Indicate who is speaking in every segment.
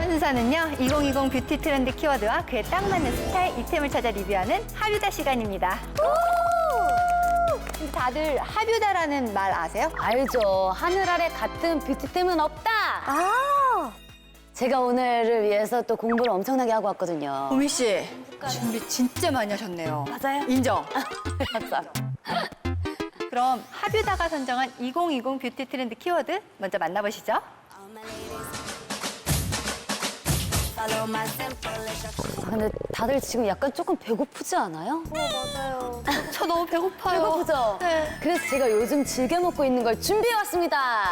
Speaker 1: 순서는요, 2020 뷰티 트렌드 키워드와 그에 딱 맞는 스타일 이템을 찾아 리뷰하는 하뷰다 시간입니다. 근데 다들 하뷰다라는 말 아세요?
Speaker 2: 알죠. 하늘 아래 같은 뷰티템은 없다.
Speaker 1: 아,
Speaker 2: 제가 오늘을 위해서 또 공부를 엄청나게 하고 왔거든요.
Speaker 1: 보미 씨, 준비 진짜 많이 하셨네요.
Speaker 2: 맞아요?
Speaker 1: 인정.
Speaker 2: 감사합니다.
Speaker 1: 그럼 하뷰다가 선정한 2020 뷰티 트렌드 키워드 먼저 만나보시죠.
Speaker 2: 근데 다들 지금 약간 조금 배고프지 않아요?
Speaker 1: 맞아요. 저 너무 배고파요.
Speaker 2: 배고프죠?
Speaker 1: 네.
Speaker 2: 그래서 제가 요즘 즐겨 먹고 있는 걸 준비해 왔습니다.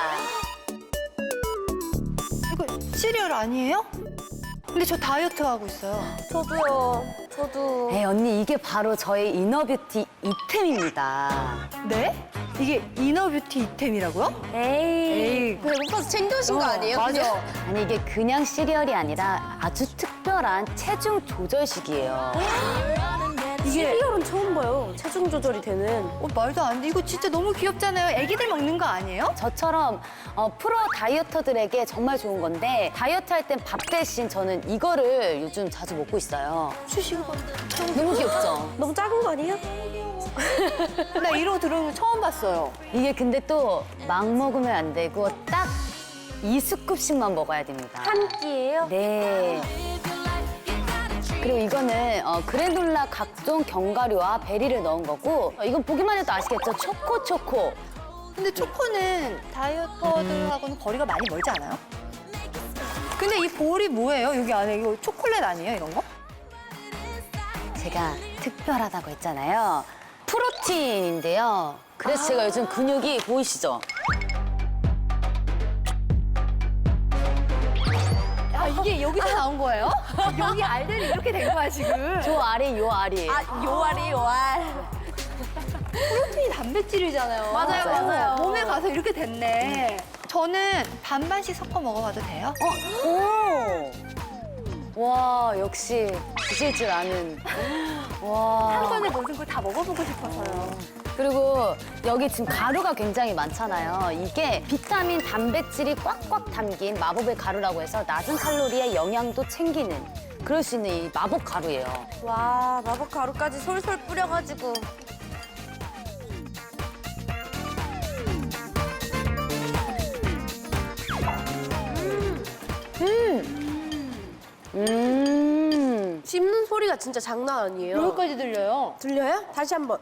Speaker 1: 이거 시리얼 아니에요? 근데 저 다이어트 하고 있어요.
Speaker 3: 저도요. 저도.
Speaker 2: 에이, 언니, 이게 바로 저의 이너뷰티 이템입니다.
Speaker 1: 네? 이게 이너뷰티 이템이라고요?
Speaker 3: 에이. 배고파서 챙겨오신 거 아니에요?
Speaker 1: 맞아.
Speaker 2: 아니, 이게 그냥 시리얼이 아니라 아주 특별한 체중 조절식이에요.
Speaker 1: 이게
Speaker 3: 시리얼은 처음 봐요. 체중 조절이 되는.
Speaker 1: 말도 안 돼. 이거 진짜 너무 귀엽잖아요. 애기들 먹는 거 아니에요?
Speaker 2: 저처럼 프로 다이어터들에게 정말 좋은 건데 다이어트 할 땐 밥 대신 저는 이거를 요즘 자주 먹고 있어요.
Speaker 1: 주시고
Speaker 2: 너무 귀엽죠?
Speaker 3: 너무 작은 거 아니에요?
Speaker 1: 나 이러고 들어온 거 처음 봤어요.
Speaker 2: 이게 근데 또 막 먹으면 안 되고 딱 2스쿱씩만 먹어야 됩니다.
Speaker 3: 한 끼예요?
Speaker 2: 네. 그리고 이거는 그래놀라 각종 견과류와 베리를 넣은 거고 이건 보기만 해도 아시겠죠? 초코.
Speaker 1: 근데 초코는 다이어터들하고는 거리가 많이 멀지 않아요? 근데 이 볼이 뭐예요? 여기 안에 이거 초콜릿 아니에요? 이런 거?
Speaker 2: 제가 특별하다고 했잖아요. 프로틴인데요. 그래서 제가 요즘 근육이 보이시죠?
Speaker 1: 아, 이게 여기서 나온 거예요? 여기 알들이 이렇게 된 거야, 지금.
Speaker 2: 요 알이.
Speaker 3: 요알이 요알.
Speaker 1: 프로틴이 단백질이잖아요.
Speaker 3: 맞아요.
Speaker 1: 몸에 가서 이렇게 됐네. 저는 반반씩 섞어 먹어봐도 돼요?
Speaker 2: 오! 와, 역시 드실 줄 아는. 와.
Speaker 1: 한 번에 모든 걸 다 먹어보고 싶어서요.
Speaker 2: 그리고 여기 지금 가루가 굉장히 많잖아요. 이게 비타민, 단백질이 꽉꽉 담긴 마법의 가루라고 해서 낮은 칼로리에 영양도 챙기는 그럴 수 있는 이 마법 가루예요.
Speaker 3: 와, 마법 가루까지 솔솔 뿌려가지고. 씹는 소리가 진짜 장난 아니에요.
Speaker 1: 여기까지 들려요.
Speaker 3: 들려요? 다시 한번.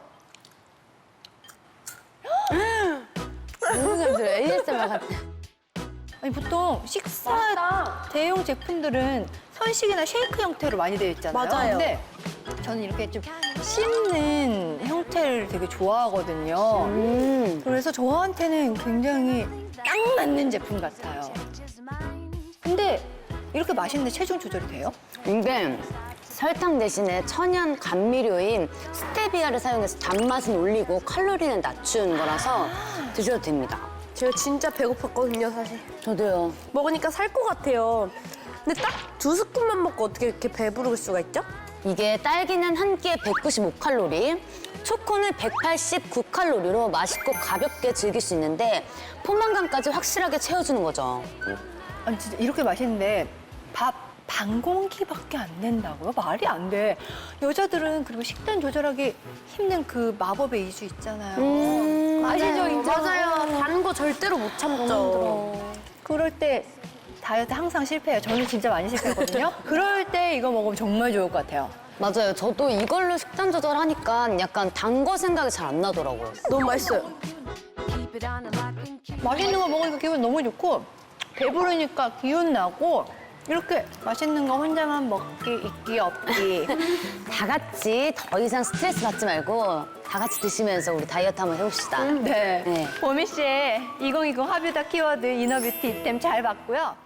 Speaker 2: 너무 잘 들어요. ASMR 같아.
Speaker 1: 아니, 보통 식사
Speaker 3: 맛있다.
Speaker 1: 대용 제품들은 선식이나 쉐이크 형태로 많이 되어 있잖아요.
Speaker 3: 맞아요.
Speaker 1: 근데 저는 이렇게 좀 씹는 형태를 되게 좋아하거든요. 그래서 저한테는 굉장히 딱 맞는 제품 같아요. 근데 이렇게 맛있는데 체중 조절이 돼요?
Speaker 2: 이게 설탕 대신에 천연 감미료인 스테비아를 사용해서 단맛은 올리고 칼로리는 낮추는 거라서 드셔도 됩니다.
Speaker 3: 제가 진짜 배고팠거든요, 사실.
Speaker 2: 저도요.
Speaker 3: 먹으니까 살 것 같아요. 근데 딱 2스푼만 먹고 어떻게 이렇게 배부를 수가 있죠?
Speaker 2: 이게 딸기는 한 끼에 195칼로리, 초코는 189칼로리로 맛있고 가볍게 즐길 수 있는데 포만감까지 확실하게 채워주는 거죠.
Speaker 1: 아니, 진짜 이렇게 맛있는데 밥 반 공기밖에 안 된다고요? 말이 안 돼. 여자들은 그리고 식단 조절하기 힘든 그 마법의 이주 있잖아요. 아시죠? 인정?
Speaker 3: 맞아요. 단 거 절대로 못 참죠.
Speaker 1: 그럴 때 다이어트 항상 실패해요. 저는 진짜 많이 실패했거든요. 그럴 때 이거 먹으면 정말 좋을 것 같아요.
Speaker 2: 맞아요. 저도 이걸로 식단 조절하니까 약간 단 거 생각이 잘 안 나더라고요.
Speaker 3: 너무 맛있어요.
Speaker 1: 맛있는 거 먹으니까 기분 너무 좋고 배부르니까 기운 나고 이렇게 맛있는 거 혼자만 먹기 있기 없기.
Speaker 2: 다 같이 더 이상 스트레스 받지 말고 다 같이 드시면서 우리 다이어트 한번 해봅시다.
Speaker 1: 네.
Speaker 2: 네.
Speaker 1: 보미 씨의 2020 하뷰다 키워드 이너뷰티 이템 잘 봤고요.